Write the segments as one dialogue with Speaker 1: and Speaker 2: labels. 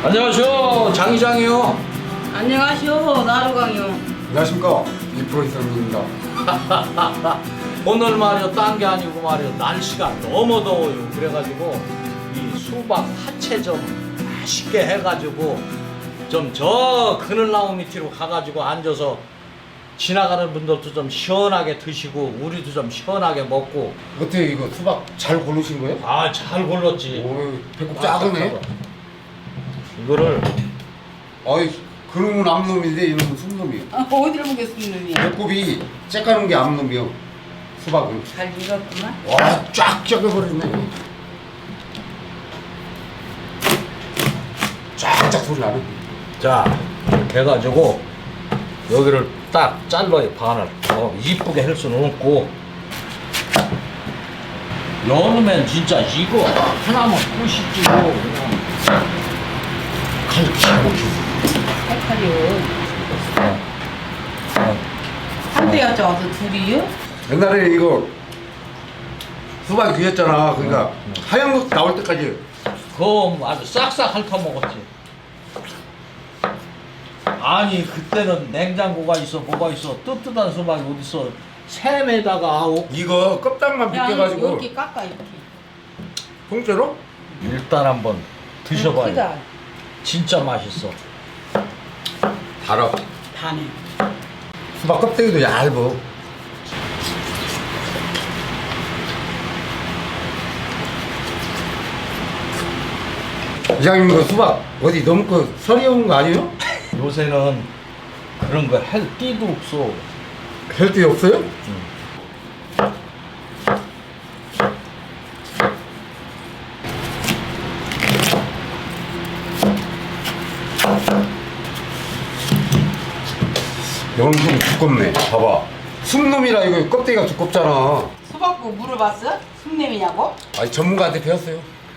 Speaker 1: 안녕하세요, 장이장이요.
Speaker 2: 안녕하시오, 나루강이요.
Speaker 3: 안녕하십니까, 이프로 이사입니다.
Speaker 1: 오늘 말이요, 딴 게 아니고 말이요, 날씨가 너무 더워요. 그래가지고 이 수박 화채 좀 맛있게 해가지고 좀 저 그늘나무 밑으로 가가지고 앉아서 지나가는 분들도 좀 시원하게 드시고 우리도 좀 시원하게 먹고.
Speaker 3: 어떻게 이거 수박 잘 고르신 거예요?
Speaker 1: 아, 잘 골랐지.
Speaker 3: 오, 배꼽 작으네.
Speaker 1: 이거를
Speaker 3: 어이, 그놈은 암놈인데 이놈은 순놈이요.
Speaker 2: 어디를 보겠습니까?
Speaker 3: 배꼽이 째까는 게 암놈이요. 수박은.
Speaker 2: 잘 익었구만.
Speaker 3: 와, 쫙 쪄버리네. 쫙쫙 소리 나네.
Speaker 1: 자, 이렇게 해가지고 여기를 딱 잘라요, 반을. 이쁘게 할 수는 없고. 여름엔 진짜 이거 하나만 끝이지 뭐. 그냥
Speaker 3: 칼 기가 막히네.
Speaker 2: 칼칼이요. 한 대였죠, 와서 둘이요?
Speaker 3: 옛날에 이거 수박이 뒤였잖아. 그러니까 하얀 거 나올 때까지.
Speaker 1: 그거 아주 싹싹 핥아먹었지. 아니, 그때는 냉장고가 있어, 뭐가 있어. 뜨뜻한 수박이 어딨어. 샘에다가
Speaker 3: 이거 껍질만 벗겨가지고
Speaker 2: 이렇게 깎아, 이렇게.
Speaker 3: 통째로?
Speaker 1: 일단 한번 드셔봐요.
Speaker 2: 크다.
Speaker 1: 진짜 맛있어.
Speaker 3: 달아.
Speaker 2: 다네.
Speaker 3: 수박 껍데기도 얇어. 이장님 그 수박 어디 너무 그 설이 온 거 아니에요?
Speaker 1: 요새는 그런 거 할 띠도 없어.
Speaker 3: 헬띠 없어요? 이건 좀 두껍네. 봐봐. 숨놈이라 이거 껍데기가 두껍잖아.
Speaker 2: 수박고 물어봤어? 숨냄이냐고?
Speaker 3: 아니 전문가한테 배웠어요.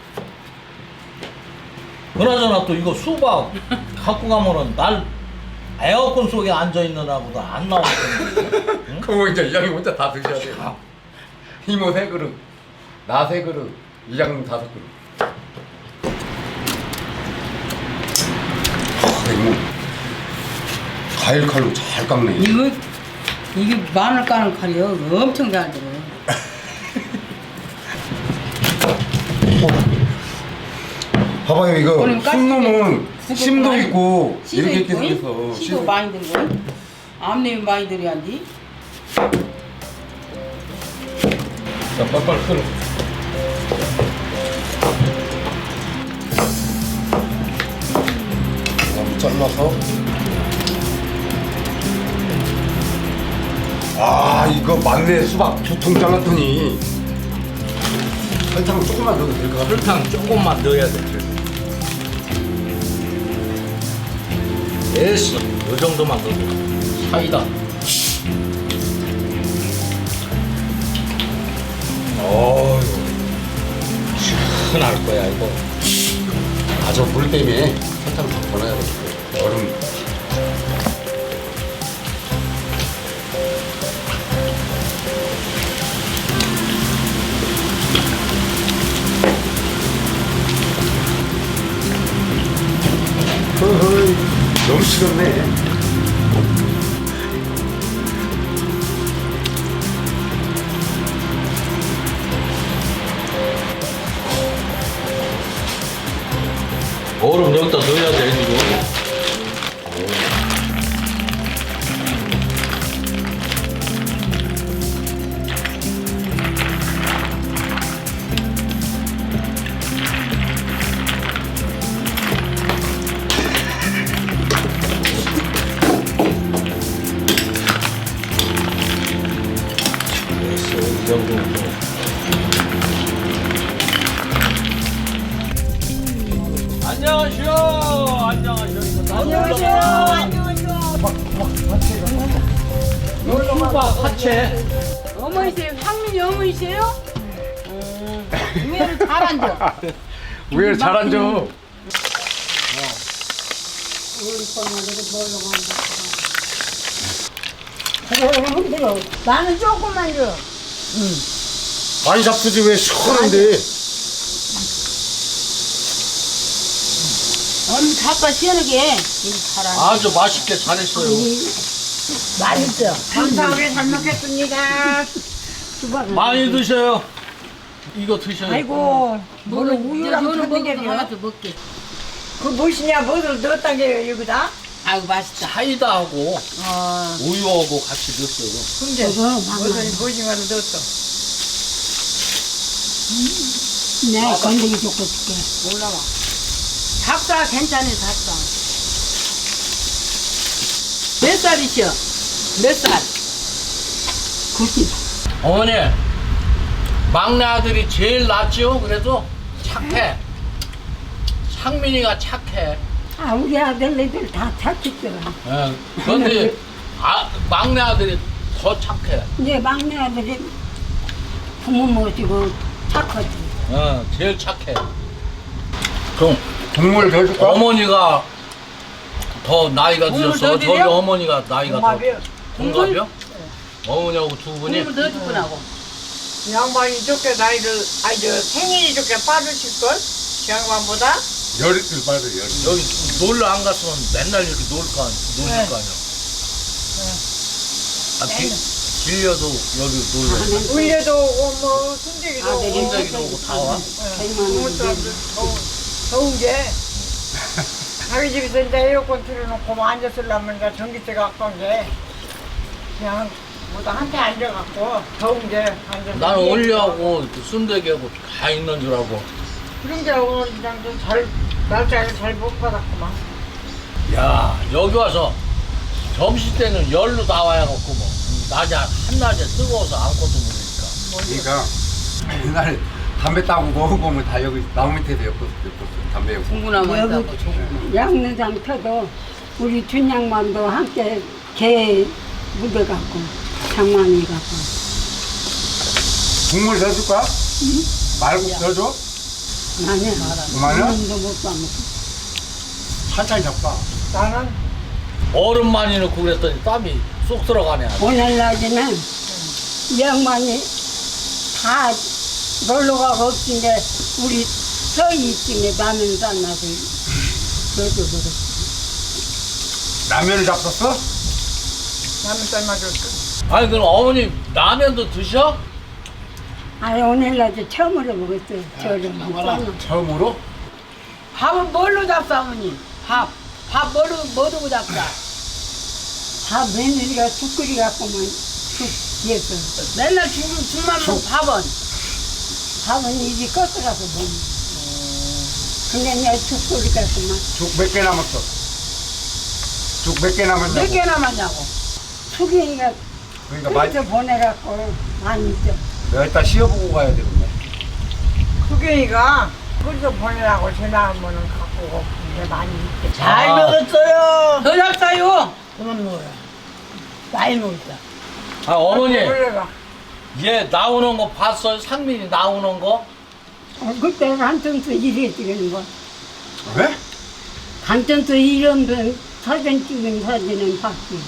Speaker 1: 그나저나 또 이거 수박 갖고 가면은 날 에어컨 속에 앉아 있느라고도 안 나왔거든. 응?
Speaker 3: 그거 이제 이장님 혼자 다 드셔야 돼요. 이모 3그릇, 나 3그릇, 이장님 5그릇. 이모 가일 칼로 잘 깎네.
Speaker 2: 이게 마늘 까는 칼이요. 엄청 잘 들어.
Speaker 3: 봐봐요 이거
Speaker 2: 오늘
Speaker 3: 숨놈은
Speaker 2: 깎이게
Speaker 3: 심도
Speaker 2: 많이
Speaker 3: 있고
Speaker 2: 씨도
Speaker 3: 이렇게
Speaker 2: 있고,
Speaker 3: 생겼어.
Speaker 2: 씨도 많이 들고. 암내미 많이 들어야지.
Speaker 1: 자, 빨빨 끓여.
Speaker 3: 잘라서. 아 이거 맞네. 수박 2통 잘랐더니 설탕 조금만 넣어도 될 것 같아.
Speaker 1: 설탕 조금만 넣어야 돼. 됐어. 이 정도만 넣어도 사이다. 어휴, 시원할 거야 이거.
Speaker 3: 아 저 물 때문에 설탕 더 넣어야 돼. 얼음. 허허이 너무 식었네.
Speaker 1: 얼음 여기다 넣어야 돼 이거. 됐어, 이 정도. 안녕하세요. 안녕하세요. 수박 화채.
Speaker 2: 어머니세요? 상민이 어머니세요? 의외로 잘 앉아.
Speaker 3: 왜 잘 앉아?
Speaker 4: 나는 조금만 줘.
Speaker 3: 많이 잡수지 왜 시원한데?
Speaker 2: 언니 닭가 시원하게 이거 잘하네.
Speaker 1: 아주 맛있게 잘했어요.
Speaker 2: 맛있어.
Speaker 4: 감사하게 잘 먹겠습니다.
Speaker 1: 많이 드셔요. 이거 드셔요.
Speaker 4: 아이고, 뭐를 우유랑
Speaker 2: 너는
Speaker 4: 줬는 게
Speaker 2: 먹고
Speaker 4: 요
Speaker 2: 하나 더 먹게.
Speaker 4: 그 무엇이냐, 뭐를 넣었단 게 여기다?
Speaker 2: 아이고 맛있다.
Speaker 1: 사이다하고
Speaker 2: 어.
Speaker 1: 우유하고 같이 넣었어요.
Speaker 4: 근데
Speaker 2: 저거 막아.
Speaker 4: 무슨 무엇인가를 넣었어.
Speaker 2: 네, 건더기 줬고 줄게. 올라와. 닭사 괜찮네, 닭사. 몇 살이셔? 몇 살? 90.
Speaker 1: 어머니, 막내 아들이 제일 낫죠? 그래도 착해. 상민이가 착해.
Speaker 4: 아, 우리 아들네들 다 착했더라.
Speaker 1: 예, 그런데 막내 아들이 더 착해.
Speaker 4: 이제 막내 아들이 부모 모시고 착하지.
Speaker 1: 제일 착해. 그럼
Speaker 3: 국물 더 줄까?
Speaker 1: 어머니가 더 나이가
Speaker 2: 국물
Speaker 1: 드셨어?
Speaker 2: 더
Speaker 1: 저기
Speaker 2: 드려?
Speaker 1: 어머니가 나이가 더
Speaker 4: 동갑이요.
Speaker 1: 동갑이요? 어머니하고 두 분이?
Speaker 2: 국물 더 주고 나고.
Speaker 4: 양반이 좋게 나이를, 아니, 저 생일이 좋게 빠르실걸? 양반보다?
Speaker 3: 열이틀 빠져 열이.
Speaker 1: 여기 놀러 안 갔으면 맨날 이렇게 노실 거 아니야. 빌려도 여기 놀러.
Speaker 4: 울려도 오고, 뭐, 순대기도 오고.
Speaker 1: 혼자기도 오고 다 와.
Speaker 4: 부모 사람들 더운 게. 자기 집에서 이제 에어컨 틀어놓고 뭐 앉았으려면 이제 전기세가 아까운 게. 그냥 뭐다 한테 앉아갖고 더운 게 앉아서.
Speaker 1: 나는 올리하고 순대기하고 다 있는 줄 알고.
Speaker 4: 그런 게 오늘 그냥 좀 잘, 날짜를 잘 못 받았구만.
Speaker 1: 야, 여기 와서 점심 때는 열로 다 와야겠고 뭐. 낮에 한낮에 뜨거워서 아무것도 모르니까.
Speaker 3: 그러니까 옛날에 담배 따고 먹으면 다 여기 나무 밑에서 엮었어 담배 엮고.
Speaker 2: 공부나만 있다고 좋고.
Speaker 4: 양내장 펴도 우리 준양만도 함께 개 묻어갖고 장만이 갖고.
Speaker 3: 국물 더 줄까? 말고 더 줘?
Speaker 4: 나는
Speaker 3: 그만이야?
Speaker 4: 도 못 봐먹고.
Speaker 3: 한참 잡까?
Speaker 4: 나는
Speaker 1: 얼음 많이 넣고 그랬더니 땀이 쏙 들어가네.
Speaker 4: 오늘 낮에는 이 양반이 다 놀러 가고 없은 게 우리 서희 있으니 라면 쌌나서 넣어줘버렸어.
Speaker 3: 라면을 잡섰어?
Speaker 4: 라면 삶아줬어.
Speaker 1: 아니 그럼 어머니 라면도 드셔?
Speaker 4: 아니 오늘 낮에 처음으로 먹었어요. 저를
Speaker 3: 처음으로?
Speaker 2: 밥은 뭘로 잡사, 어머니? 밥 뭐 두고 잡사?
Speaker 4: 다 며느리가 죽 끓이 갖고만 죽 뒤에서
Speaker 2: 맨날 죽만 먹고 밥은?
Speaker 4: 밥은 이리 껐어가서 먹는. 근데 내가 죽 끓이 갖고만
Speaker 3: 죽 몇 개 남았어? 죽 몇 개 남았냐고?
Speaker 2: 몇 개 남았냐고?
Speaker 4: 수경이가
Speaker 3: 그러니까 많이,
Speaker 4: 끓여서 보내갖고 많이 있죠.
Speaker 3: 내가 이따 씌워보고 가야 되겠네.
Speaker 4: 수경이가 끓여서 보내라고 전화하면은 갖고 오고 근데 많이 있대.
Speaker 1: 잘
Speaker 4: 먹었어요.
Speaker 2: 더 잡사요.
Speaker 4: 그만 먹어요. 많이 먹었어.
Speaker 1: 아 어머니
Speaker 4: 올려가.
Speaker 1: 얘 나오는 거 봤어요? 상민이 나오는 거?
Speaker 4: 그때 한전수 일했지 그런 거.
Speaker 3: 왜?
Speaker 4: 한전수 이런 사진 찍은 사진은 봤지.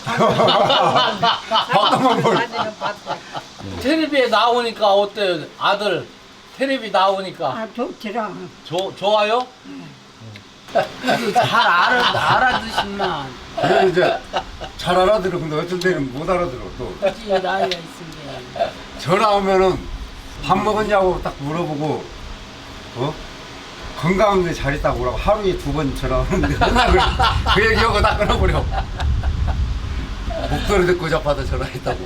Speaker 3: 봤더만 뭘.
Speaker 4: 사진은 봤어.
Speaker 1: 텔레비에 나오니까 어때요? 아들 텔레비 나오니까
Speaker 4: 아 좋더라.
Speaker 1: 좋아요?
Speaker 2: 잘 알아듣신만.
Speaker 3: 그래 이제 잘 알아들어. 근데 어떤 데는 못 알아들어 또.
Speaker 2: 굳이 나이가 있으면.
Speaker 3: 전화 오면은 밥 먹었냐고 딱 물어보고 건강한데 잘 있다고 그러고 하루에 2번 전화 오는데 맨날 그 얘기하고 딱 끊어버려. 목소리 듣고 잡아서 전화했다고.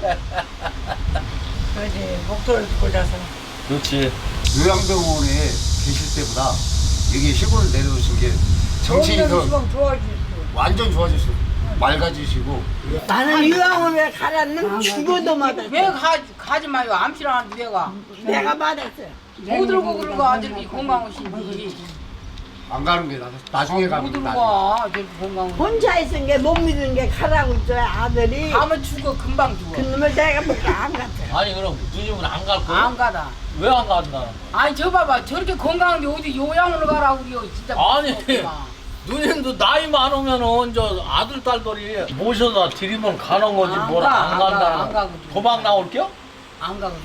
Speaker 4: 그러지 목소리 듣고 자서.
Speaker 1: 그렇지.
Speaker 3: 요양병원에 계실 때보다 여기 시골 내려오신 게 정신이 더
Speaker 4: 시방 좋아지지.
Speaker 3: 완전 좋아지시고 맑아지시고.
Speaker 4: 나는 유황원에 가라는 죽어도 맞았어.
Speaker 2: 왜 가지 마요? 암시라는데 왜 가?
Speaker 4: 내가 맞았어요.
Speaker 2: 못 들고 그러고 아들이 건강하신지.
Speaker 3: 안 가는 게 나중에
Speaker 2: 못
Speaker 3: 가면
Speaker 2: 들고
Speaker 3: 나중에.
Speaker 2: 가. 아들 건강하신
Speaker 4: 혼자 있은 게 못 믿은 게 가라고 있어요 아들이.
Speaker 2: 가면 죽어, 금방 죽어.
Speaker 4: 그 놈을 내가 뭐안 갔어.
Speaker 1: 아니 그럼 누님은 안 갈 거야?
Speaker 2: 안 가다.
Speaker 1: 왜 안 간다?
Speaker 2: 아니 저 봐봐, 저렇게 건강한데 어디 요양으로 가라고 그래요. 진짜
Speaker 1: 아니
Speaker 2: 무섭구만.
Speaker 1: 누님도 나이 많으면은 저 아들 딸들이 모셔다 드리면 가는 거지
Speaker 2: 안
Speaker 1: 뭘
Speaker 2: 가,
Speaker 1: 안
Speaker 2: 안 가,
Speaker 1: 간다는
Speaker 2: 안
Speaker 1: 거.
Speaker 2: 가거든.
Speaker 1: 도망 나올게요?
Speaker 2: 안 가거든.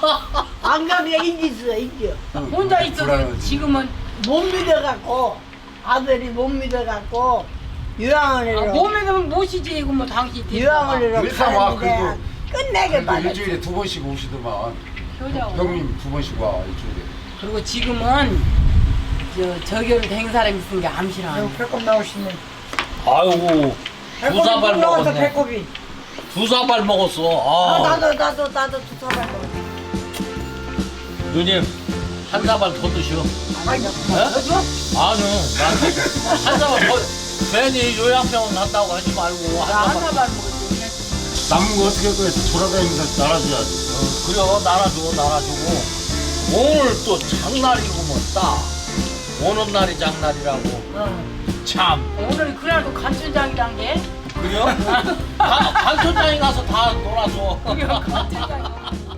Speaker 4: 안 가면 인지 있어 인지.
Speaker 2: 혼자 있어도
Speaker 3: 불안하지.
Speaker 2: 지금은
Speaker 4: 못 믿어갖고 아들이 못 믿어갖고 유황원으로
Speaker 2: 몸에는 못이지 이거 뭐 당신
Speaker 4: 유황원으로
Speaker 3: 일상 와,
Speaker 4: 가는데 끝내게
Speaker 3: 그래도
Speaker 4: 받았어.
Speaker 3: 일주일에 2번씩 오시더만.
Speaker 2: 효자고.
Speaker 3: 형님 2번씩 와 일주일에.
Speaker 2: 그리고 지금은 저기를 된 사람이 있으니까 암시라.
Speaker 4: 아유, 배꼽 나오시네.
Speaker 1: 아이고
Speaker 4: 배꼽이
Speaker 1: 사발
Speaker 4: 물 나와서
Speaker 1: 먹었네.
Speaker 4: 배꼽이.
Speaker 1: 두 사발 먹었어.
Speaker 4: 아,
Speaker 1: 아,
Speaker 4: 나도 두 사발 먹었어.
Speaker 1: 누님 한 사발 더 드셔.
Speaker 4: 아니,
Speaker 1: 아니요, 난한 사발 더. 괜히 요양병원 간다고 하지 말고 한 사발.
Speaker 2: 하나만 먹었지.
Speaker 3: 남은 거 어떻게 할 거야? 돌아다니면서 날아줘야지.
Speaker 1: 그래요, 날아주고. 오늘 또 장날이구먼 딱. 오는 날이 장날이라고. 참.
Speaker 2: 오늘 그날도 간춘장이란 게.
Speaker 1: 그래요? 간촌장에 가서 다 놀아줘.
Speaker 2: 간춘장이.